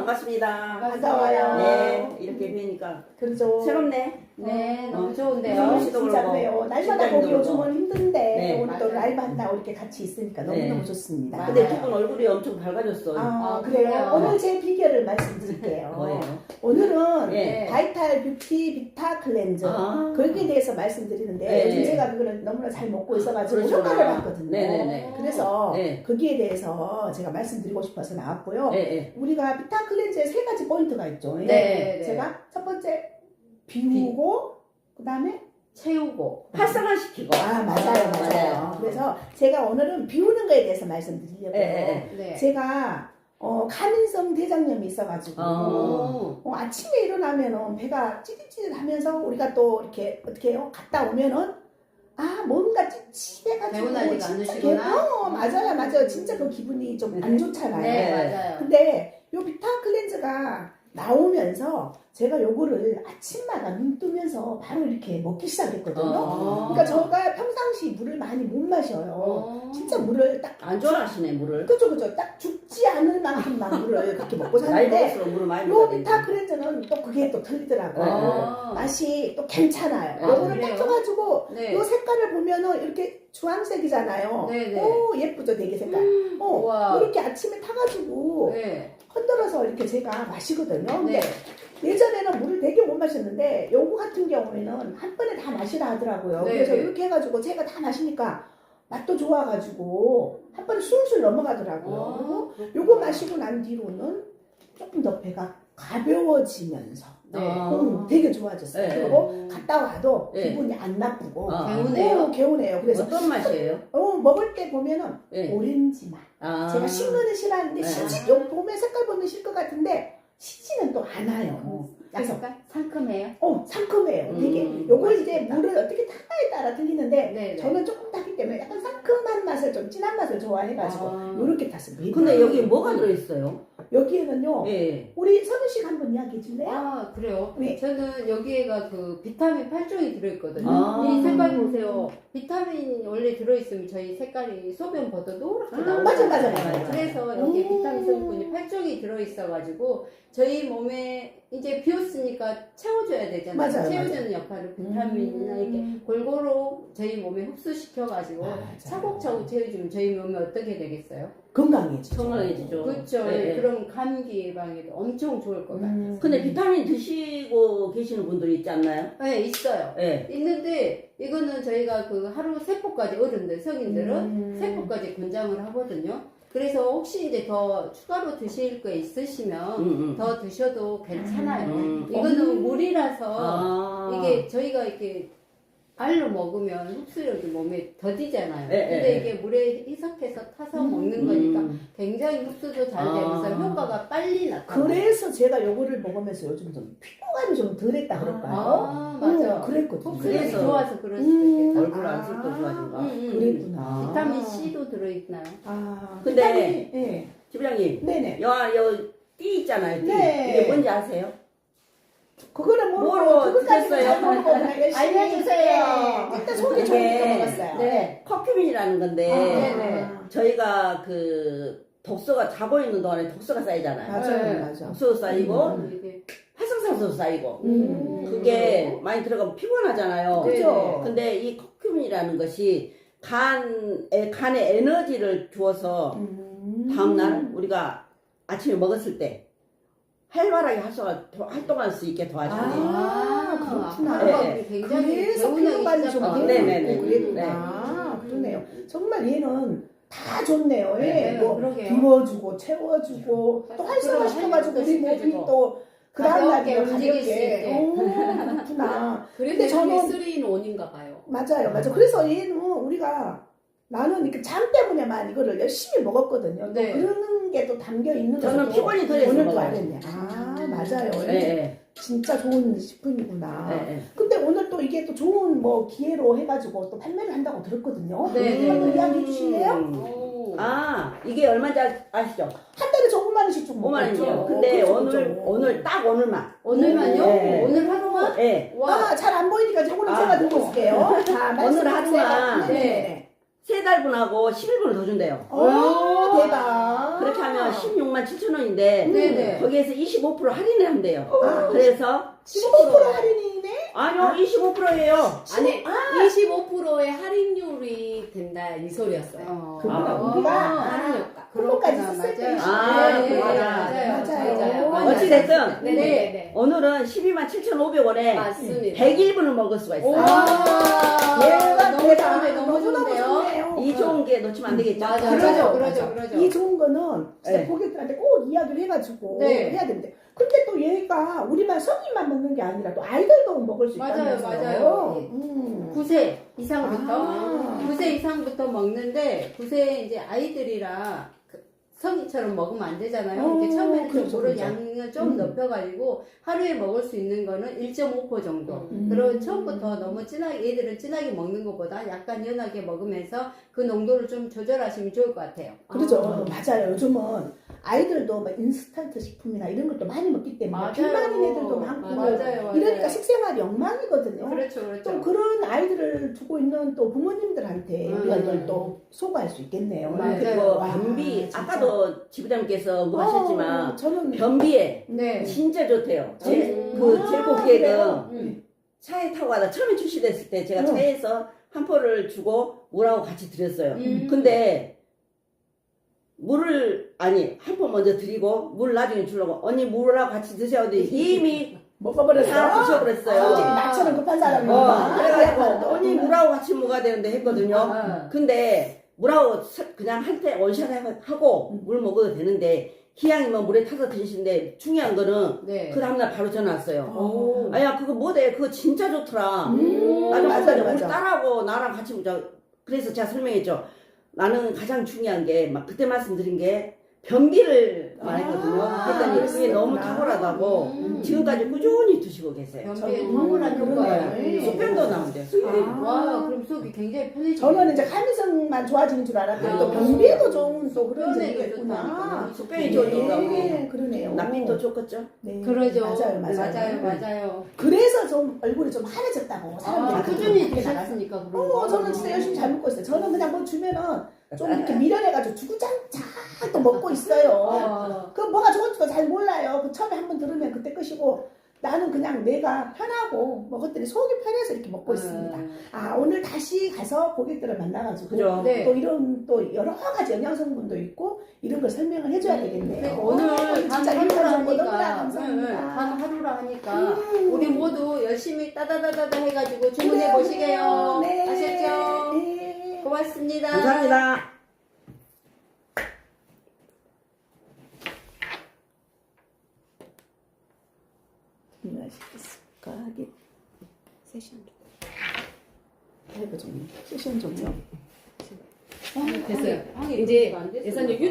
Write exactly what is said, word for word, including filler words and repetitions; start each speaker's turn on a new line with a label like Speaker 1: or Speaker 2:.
Speaker 1: 반갑습니다.
Speaker 2: 반가워요.
Speaker 1: 네, 이렇게 뵈니까
Speaker 2: 그렇죠.
Speaker 1: 새롭네.
Speaker 3: 네,
Speaker 1: 어.
Speaker 3: 너무 좋은데요.
Speaker 1: 네.
Speaker 2: 진짜 그래요. 날마다
Speaker 1: 시간도
Speaker 2: 보기 요즘은
Speaker 1: 그렇고.
Speaker 2: 힘든데
Speaker 1: 네.
Speaker 2: 오늘 또
Speaker 3: 맞아요.
Speaker 2: 라이브 한다고 이렇게 같이 있으니까
Speaker 1: 네.
Speaker 2: 너무너무 좋습니다.
Speaker 1: 근데
Speaker 3: 맞아요.
Speaker 1: 두 분 얼굴이 엄청 밝아졌어요.
Speaker 2: 아,
Speaker 3: 아,
Speaker 2: 그래요?
Speaker 3: 그래요?
Speaker 2: 오늘 제 비결을 말씀드릴게요.
Speaker 1: 뭐예요?
Speaker 2: 오늘은
Speaker 1: 네.
Speaker 2: 바이탈 뷰티 비타 클렌저
Speaker 1: 아.
Speaker 2: 거기에 대해서 말씀드리는데
Speaker 1: 네.
Speaker 2: 요즘 제가 그거를 너무나 잘 먹고 있어가지고
Speaker 1: 그러시구나.
Speaker 2: 효과를 봤거든요.
Speaker 1: 네네네.
Speaker 2: 그래서
Speaker 1: 네.
Speaker 2: 거기에 대해서 제가 말씀드리고 싶어서 나왔고요.
Speaker 1: 네, 네.
Speaker 2: 우리가 비타 클렌저에 세 가지 포인트가 있죠.
Speaker 3: 네, 네.
Speaker 2: 제가 첫 번째 비우고 그 다음에
Speaker 3: 채우고.
Speaker 1: 활성화시키고.
Speaker 2: 아 맞아요 맞아요.
Speaker 1: 맞아요.
Speaker 2: 그래서 제가 오늘은 비우는 거에 대해서 말씀드리려고요.
Speaker 1: 네,
Speaker 3: 네.
Speaker 2: 제가 어, 가민성 대장염이 있어가지고
Speaker 1: 어.
Speaker 2: 어, 아침에 일어나면은 배가 찌릿찌릿하면서 우리가 또 이렇게 어떻게 해요? 갔다 오면은 아 뭔가 찌릿해가지고
Speaker 3: 개운하지가
Speaker 2: 진짜
Speaker 3: 않으시구나.
Speaker 2: 개- 어 맞아요 맞아요. 진짜 그 기분이 좀 안 좋잖아요.
Speaker 3: 네,
Speaker 1: 네.
Speaker 3: 맞아요.
Speaker 2: 근데 요 비타 클렌저가 나오면서 제가 요거를 아침마다 눈 뜨면서 바로 이렇게 먹기 시작했거든요.
Speaker 1: 어.
Speaker 2: 그러니까 제가 평상시 물을 많이 못 마셔요.
Speaker 3: 어.
Speaker 2: 진짜 물을 딱
Speaker 1: 안 좋아하시네, 물을.
Speaker 2: 그죠 그죠 딱 죽지 않을 만큼만 물을 그렇게 먹고
Speaker 1: 나이
Speaker 2: 사는데
Speaker 1: 먹을수록 물을 많이
Speaker 2: 요
Speaker 1: 먹어야
Speaker 2: 비타
Speaker 1: 되지.
Speaker 2: 클렌저는 또 그게 또 틀리더라고요.
Speaker 3: 아.
Speaker 2: 맛이 또 괜찮아요.
Speaker 1: 아,
Speaker 2: 요거를
Speaker 3: 그래요?
Speaker 2: 딱 줘가지고
Speaker 3: 네.
Speaker 2: 요 색깔을 보면은 이렇게 주황색이잖아요.
Speaker 3: 네네.
Speaker 2: 오 예쁘죠 되게 색깔. 어,
Speaker 3: 우와.
Speaker 2: 이렇게 아침에 타가지고
Speaker 3: 네.
Speaker 2: 흔들어서 이렇게 제가 마시거든요. 근데
Speaker 3: 네.
Speaker 2: 예전에는 물을 되게 못 마셨는데 요거 같은 경우에는 한 번에 다 마시라 하더라고요.
Speaker 3: 네,
Speaker 2: 그래서
Speaker 3: 네.
Speaker 2: 이렇게 해가지고 제가 다 마시니까 맛도 좋아가지고 한 번에 술술 넘어가더라고요. 그리고 요거 마시고 난 뒤로는 조금 더 배가 가벼워지면서
Speaker 3: 네.
Speaker 1: 아.
Speaker 2: 음, 되게 좋아졌어요.
Speaker 1: 네.
Speaker 2: 그리고 갔다 와도
Speaker 1: 네.
Speaker 2: 기분이 안 나쁘고
Speaker 1: 아.
Speaker 3: 개운해요.
Speaker 2: 오, 개운해요. 그래서
Speaker 1: 어떤 맛이에요?
Speaker 2: 어, 먹을 때 보면은
Speaker 1: 네.
Speaker 2: 오렌지 맛.
Speaker 1: 아.
Speaker 2: 제가 신 거는 싫어하는데
Speaker 1: 네.
Speaker 2: 시지 요 봄에 색깔 보면 실 것 같은데 시지는 또 않아요. 그래서
Speaker 3: 약간 상큼해요.
Speaker 2: 어 상큼해요.
Speaker 1: 음,
Speaker 2: 되게 요걸 이제
Speaker 3: 맛있겠다.
Speaker 2: 물을 어떻게 타냐에 따라 틀리는데
Speaker 3: 네. 네.
Speaker 2: 저는 조금 타기 때문에 약간 상큼한 맛을 좀 진한 맛을 좋아해가지고
Speaker 3: 아.
Speaker 2: 요렇게 탔습니다.
Speaker 1: 근데 여기 뭐가 들어있어요?
Speaker 2: 여기에는요
Speaker 1: 예.
Speaker 2: 우리 선우 씨가 한번 이야기해 줄래요?
Speaker 3: 아, 그래요?
Speaker 2: 네.
Speaker 3: 저는 여기에가 그 비타민 팔 종이 들어있거든요.
Speaker 1: 아.
Speaker 3: 이 색깔 보세요. 비타민이 원래 들어있으면 저희 색깔이 소변 보도 노랗게
Speaker 1: 아,
Speaker 3: 나오잖아요.
Speaker 2: 맞아, 맞아, 맞아,
Speaker 1: 맞아.
Speaker 3: 그래서 여기
Speaker 2: 음.
Speaker 3: 비타민 성분이 팔 종이 들어있어가지고 저희 몸에 이제 비웠으니까 채워줘야 되잖아요.
Speaker 2: 맞아요,
Speaker 3: 채워주는 역할을 비타민이나 이렇게 골고루 저희 몸에 흡수시켜가지고
Speaker 2: 맞아요.
Speaker 3: 차곡차곡 채워주면 저희 몸에 어떻게 되겠어요?
Speaker 2: 건강해지죠.
Speaker 1: 건강해지죠.
Speaker 3: 그렇죠.
Speaker 1: 네.
Speaker 3: 그럼 감기 예방에도 엄청 좋을 것 같아요.
Speaker 2: 음.
Speaker 1: 근데 비타민 드시고 계시는 분들이 있지 않나요?
Speaker 3: 네, 있어요.
Speaker 1: 예.
Speaker 3: 있는데 이거는 저희가 그 하루 세 포까지 어른들 성인들은
Speaker 2: 음.
Speaker 3: 세 포까지 권장을 하거든요. 그래서 혹시 이제 더 추가로 드실 거 있으시면
Speaker 1: 음, 음.
Speaker 3: 더 드셔도 괜찮아요.
Speaker 1: 음.
Speaker 3: 이거는 물이라서
Speaker 1: 아.
Speaker 3: 이게 저희가 이렇게 알로 먹으면 흡수력이 몸에 더디잖아요.
Speaker 1: 예,
Speaker 3: 근데
Speaker 1: 예.
Speaker 3: 이게 물에 희석해서 타서
Speaker 2: 음.
Speaker 3: 먹는 거니까
Speaker 1: 음.
Speaker 3: 굉장히 흡수도 잘 되면서
Speaker 1: 아.
Speaker 3: 효과가 빨리 나타나요.
Speaker 2: 그래서 제가 요거를 먹으면서 요즘 좀 피부감이 좀 덜했다 그럴까요?
Speaker 3: 아, 맞아.
Speaker 2: 어, 그랬거든요.
Speaker 3: 흡수력이
Speaker 1: 그래서-
Speaker 3: 좋아서 그럴 수도
Speaker 2: 음.
Speaker 3: 있겠다.
Speaker 1: 얼굴 안 쓸 거 좋아진가?
Speaker 3: 음, 음.
Speaker 2: 그랬구나.
Speaker 3: 비타민 C도 들어있나요?
Speaker 2: 아,
Speaker 1: 근데-
Speaker 2: 비타민, 예.
Speaker 1: 지부장님,
Speaker 2: 네네.
Speaker 1: 여, 여, 띠 있잖아요, 띠.
Speaker 2: 네.
Speaker 1: 이게 뭔지 아세요?
Speaker 2: 그거는 모르고
Speaker 1: 뭐로
Speaker 2: 그것까지는
Speaker 1: 드셨어요?
Speaker 2: 잘 모르고 그냥 열심히
Speaker 3: 알려주세요.
Speaker 2: 일단 속이
Speaker 1: 이게-
Speaker 2: 좋으니까 먹었어요.
Speaker 3: 네.
Speaker 1: 커큐민이라는 건데,
Speaker 2: 아,
Speaker 3: 네네.
Speaker 1: 저희가 그 독소가 자고 있는 동안에 독소가 쌓이잖아요.
Speaker 2: 맞아요,
Speaker 3: 네.
Speaker 2: 맞아.
Speaker 1: 독소도 쌓이고,
Speaker 3: 음, 이게-
Speaker 1: 활성산소도 쌓이고,
Speaker 2: 음.
Speaker 1: 그게 많이 들어가면 피곤하잖아요.
Speaker 3: 네.
Speaker 2: 그죠?
Speaker 1: 근데 이 커큐민이라는 것이 간에, 간에 에너지를 주어서
Speaker 2: 음.
Speaker 1: 다음날 우리가 아침에 먹었을 때 활발하게 활성화, 활동할 수 있게 도와준대요.
Speaker 2: 아, 그렇구나.
Speaker 3: 하루가
Speaker 1: 네.
Speaker 3: 굉장히
Speaker 2: 그래서
Speaker 3: 개운하게
Speaker 2: 피부감이 좀
Speaker 3: 시작하고.
Speaker 1: 아, 네네네.
Speaker 2: 그랬구나. 그러네요. 정말 얘는 다 좋네요. 예.
Speaker 3: 네,
Speaker 2: 뭐
Speaker 3: 그러게요.
Speaker 2: 비워주고 채워주고 또 활성화시켜가지고 우리 몸이
Speaker 3: 시켜주고.
Speaker 2: 또 그 다음날
Speaker 3: 가볍게 움직일 수 있게.
Speaker 2: 오, 그렇구나.
Speaker 4: 그래도
Speaker 2: 근데 저는-
Speaker 4: 쓰리 인 원인가 봐요.
Speaker 2: 맞아요, 맞아요. 그래서 얘는 우리가 나는 이렇게 잠 때문에만 이거를 열심히 먹었거든요. 또
Speaker 3: 네.
Speaker 2: 그런 게 또 담겨 있는
Speaker 1: 저는
Speaker 2: 것도
Speaker 1: 피곤이 덜해서
Speaker 2: 오늘 또
Speaker 1: 먹어요.
Speaker 2: 알겠네. 아, 맞아요.
Speaker 1: 예, 예,
Speaker 2: 진짜 좋은 식품이구나.
Speaker 1: 예, 예.
Speaker 2: 근데 오늘 또 이게 또 좋은 뭐 기회로 해가지고 또 판매를 한다고 들었거든요.
Speaker 3: 네, 네.
Speaker 2: 한번 이야기해 주실래요?
Speaker 1: 음.
Speaker 4: 오.
Speaker 1: 아, 이게 얼마인지 아- 아시죠?
Speaker 2: 한 달에 저 오만 원씩 좀
Speaker 1: 오만 원이요.
Speaker 2: 먹었죠.
Speaker 1: 근데
Speaker 2: 그쵸,
Speaker 1: 오늘,
Speaker 2: 그쵸.
Speaker 1: 오늘, 딱 오늘만.
Speaker 3: 오늘만요?
Speaker 1: 네.
Speaker 3: 오늘 하루만?
Speaker 1: 예.
Speaker 3: 와.
Speaker 2: 아, 잘 안 보이니까 저거는
Speaker 1: 아.
Speaker 2: 제가 들고 있을게요. 자,
Speaker 1: 오늘
Speaker 2: 말씀하세요.
Speaker 1: 하루만.
Speaker 2: 네. 네.
Speaker 1: 세 달분하고 십일 분을 더 준대요.
Speaker 2: 오, 대박.
Speaker 1: 그렇게 하면 십육만 칠천 원인데
Speaker 3: 네네.
Speaker 1: 거기에서 이십오 퍼센트 할인을 한대요.
Speaker 2: 아,
Speaker 1: 그래서
Speaker 2: 십오 퍼센트 할인이네?
Speaker 1: 아니요 이십오 퍼센트예요.
Speaker 4: 아니
Speaker 2: 아.
Speaker 4: 이십오 퍼센트의 할인율이 된다 이 소리였어요.
Speaker 3: 어.
Speaker 2: 그거는
Speaker 1: 아.
Speaker 2: 우리가
Speaker 4: 할인 효과.
Speaker 2: 그거까지
Speaker 3: 그렇구나,
Speaker 2: 썼을 때
Speaker 3: 맞아요.
Speaker 1: 아,
Speaker 3: 네, 네,
Speaker 1: 맞아요.
Speaker 3: 맞아요.
Speaker 2: 맞아요.
Speaker 3: 맞아요.
Speaker 1: 어찌됐든
Speaker 4: 네네네.
Speaker 1: 오늘은 십이만 칠천오백 원에
Speaker 4: 맞습니다.
Speaker 1: 백일 분을 먹을 수가 있어요.
Speaker 3: 와,
Speaker 2: 대박,
Speaker 3: 너무
Speaker 2: 대박.
Speaker 3: 좋은데, 너무
Speaker 2: 너무너무
Speaker 3: 좋은데요?
Speaker 2: 좋네요.
Speaker 1: 이 좋은 게 놓치면 안 되겠죠.
Speaker 3: 맞아,
Speaker 2: 그러죠,
Speaker 3: 그러죠,
Speaker 2: 그러죠.
Speaker 3: 그러죠, 그러죠.
Speaker 2: 이 좋은 거는 진짜
Speaker 1: 네.
Speaker 2: 고객들한테 꼭 이야기를 해가지고
Speaker 3: 네.
Speaker 2: 해야 되는데 근데 또 얘가 우리만 성인만 먹는 게 아니라 또 아이들도 먹을 수
Speaker 3: 맞아요,
Speaker 2: 있다면서요.
Speaker 3: 맞아요.
Speaker 2: 음.
Speaker 3: 구 세 이상부터
Speaker 2: 아.
Speaker 3: 구 세 이상부터 먹는데 구 세 이제 아이들이라 그 성인처럼 먹으면 안 되잖아요.
Speaker 2: 어,
Speaker 3: 이렇게 처음에는
Speaker 2: 그렇죠,
Speaker 3: 좀 물을
Speaker 2: 그렇죠.
Speaker 3: 양을 좀
Speaker 2: 음.
Speaker 3: 높여가지고 하루에 먹을 수 있는 거는 일 점 오 퍼센트 정도.
Speaker 2: 음.
Speaker 3: 그리고 처음부터 너무 진하게 애들은 진하게 먹는 것보다 약간 연하게 먹으면서 그 농도를 좀 조절하시면 좋을 것 같아요.
Speaker 2: 그렇죠.
Speaker 3: 아.
Speaker 2: 맞아요. 요즘은 아이들도 막 인스턴트 식품이나 이런 것도 많이 먹기 때문에
Speaker 3: 맞아요.
Speaker 2: 비만인 애들도 많고
Speaker 3: 맞아요, 맞아요.
Speaker 2: 이러니까 식생활이 엉망이거든요.
Speaker 3: 그렇죠,
Speaker 2: 좀
Speaker 3: 그렇죠.
Speaker 2: 그런 아이들을 두고 있는 또 부모님들한테
Speaker 3: 음.
Speaker 2: 우리가 이걸 또 소구할 수 있겠네요.
Speaker 3: 맞아요.
Speaker 1: 그리고
Speaker 2: 와,
Speaker 1: 변비
Speaker 2: 진짜.
Speaker 1: 아까도 지부장님께서 언급하셨지만
Speaker 2: 어, 저는
Speaker 1: 변비에
Speaker 3: 네.
Speaker 1: 진짜 좋대요. 제,
Speaker 3: 음.
Speaker 1: 그
Speaker 2: 아,
Speaker 1: 제일고객은
Speaker 2: 그래요?
Speaker 3: 음.
Speaker 1: 차에 타고 가다 처음에 출시됐을 때 제가
Speaker 2: 음.
Speaker 1: 차에서 한 포를 주고 물하고 같이 드렸어요.
Speaker 3: 음.
Speaker 1: 근데 물을 아니 한 포 먼저 드리고 물 나중에 주려고 언니 물하고 같이 드셔야 돼 이미
Speaker 2: 먹어버렸어.
Speaker 1: 다 드셔버렸어요.
Speaker 2: 성질이 나처럼 급한 사람이
Speaker 1: 어, 그래가지고 언니 물하고 같이 먹어야 되는데 했거든요.
Speaker 3: 아.
Speaker 1: 근데 물하고 서- 그냥 할 때 원샷 하고 물 먹어도 되는데 기왕이면 물에 타서 드시는데 중요한 거는
Speaker 3: 네.
Speaker 1: 그 다음날 바로 전화 왔어요.
Speaker 2: 오.
Speaker 1: 아야 그거 뭐대 그거 진짜 좋더라.
Speaker 2: 음,
Speaker 1: 나는
Speaker 2: 맞아요,
Speaker 1: 맞아요. 우리
Speaker 2: 맞아.
Speaker 1: 딸하고 나랑 같이 보자. 그래서 제가 설명했죠. 나는 가장 중요한 게 막 그때 말씀드린 게 변비를 말했거든요.
Speaker 2: 아,
Speaker 1: 그랬더니 그게
Speaker 2: 그랬구나.
Speaker 1: 너무 탁월하다고
Speaker 3: 음.
Speaker 1: 지금까지 꾸준히 드시고 계세요.
Speaker 3: 변비에
Speaker 2: 음,
Speaker 3: 탁월한 효과예요.
Speaker 2: 그러네요.
Speaker 1: 수평도 나온대요.
Speaker 2: 아.
Speaker 3: 와, 그럼 속이 굉장히 편해지네.
Speaker 2: 저는 이제 감성만 좋아지는 줄 알았더니 또
Speaker 3: 아.
Speaker 2: 변비에도 좋은 또 그런
Speaker 3: 변비에도
Speaker 2: 점이 있구나.
Speaker 3: 좋다니까.
Speaker 1: 수평이 좋으니까
Speaker 2: 네, 그러네요.
Speaker 1: 남편도 좋겠죠.
Speaker 2: 네,
Speaker 3: 그러죠.
Speaker 2: 맞아요, 맞아요.
Speaker 3: 맞아요, 맞아요.
Speaker 2: 그래서 좀 얼굴이 좀 하얘졌다고 사람들이
Speaker 3: 아,
Speaker 2: 그렇게
Speaker 3: 꾸준히
Speaker 2: 그렇게 나가서.
Speaker 3: 드셨으니까 그런 거.
Speaker 2: 어, 저는 진짜 열심히 잘 먹고 있어요. 저는 그냥 뭐 주면은 좀 이렇게 미련해가지고 주구장창 또 먹고 있어요.
Speaker 3: 어.
Speaker 2: 그 뭐가 좋은지도 잘 몰라요. 그 처음에 한번 들으면 그때 끝이고 나는 그냥 내가 편하고 먹었더니 속이 편해서 이렇게 먹고 있습니다. 아 오늘 다시 가서 고객들을 만나가지고
Speaker 1: 그죠?
Speaker 3: 네.
Speaker 2: 또 이런 또 여러 가지 영양 성분도 있고 이런 걸 설명을 해줘야 되겠네요.
Speaker 3: 그러니까 오늘
Speaker 2: 어,
Speaker 3: 단
Speaker 2: 진짜
Speaker 3: 하루라
Speaker 2: 유익한 정보 너무나
Speaker 3: 하니까, 응, 응,
Speaker 2: 감사합니다.
Speaker 3: 단 하루라 하니까
Speaker 2: 음.
Speaker 3: 우리 모두 열심히 따다다다다 해가지고 주문해
Speaker 2: 그래요,
Speaker 3: 보시게요.
Speaker 2: 그래요. 네.
Speaker 3: 아셨죠?
Speaker 2: 네.
Speaker 3: 고맙습니다.
Speaker 1: 감사합니다.
Speaker 2: 맛있을까 하게 세션 좀. 세션 종료.
Speaker 4: 됐어요.
Speaker 3: 향이
Speaker 4: 이제
Speaker 3: 그렇게 안 됐어요.
Speaker 4: 예산님